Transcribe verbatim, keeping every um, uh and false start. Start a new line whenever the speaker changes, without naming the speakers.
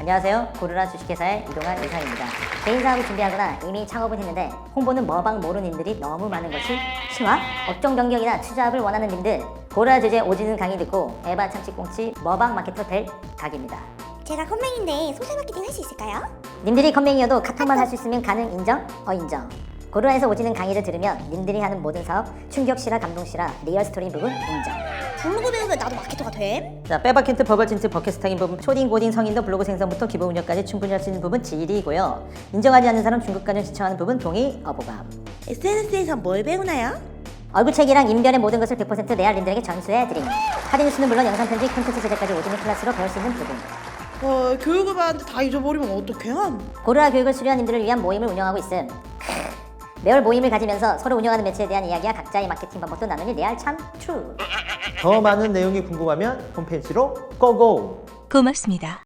안녕하세요. 고르라 주식회사의 이동환 이사입니다. 개인 사업을 준비하거나 이미 창업을 했는데 홍보는 머방 모르는 님들이 너무 많은 것이 실화? 업종 변경이나 투자업을 원하는 님들, 고르라 주제 오지는 강의 듣고 에바 참치꽁치 머방 마케터 될 각입니다.
제가 컴맹인데 소셜 마케팅 할 수 있을까요?
님들이 컴맹이어도 카톡만 할 수 있으면 가능 인정? 어 인정. 고르라에서 오지는 강의를 들으면 님들이 하는 모든 사업 충격시라 감동시라 리얼 스토리 부분 인정.
블로그 배우면 나도 마케터가 됨?
자, 빼박힌트 버벌진트 버켓스타인 부분 초딩 고딩 성인도 블로그 생성부터 기본 운영까지 충분히 할 수 있는 부분 질이고요. 인정하지 않는 사람 중급관련 시청하는 부분 동의 어보감.
에스엔에스에서 뭘 배우나요?
얼굴책이랑 인별의 모든 것을 백 퍼센트 레알님들에게 전수해드림. 할인뉴스는 물론 영상 편집, 콘텐츠 제작까지 오지는 클래스로 배울 수 있는 부분.
어, 교육을 받았는데 다 잊어버리면 어떡해?
고르라 교육을 수료한 님들을 위한 모임을 운영하고 있음. 매월 모임을 가지면서 서로 운영하는 매체에 대한 이야기와 각자의 마케팅 방법도 나누니 레알 참 트루.
더 많은 내용이 궁금하면 홈페이지로 고고!
고맙습니다.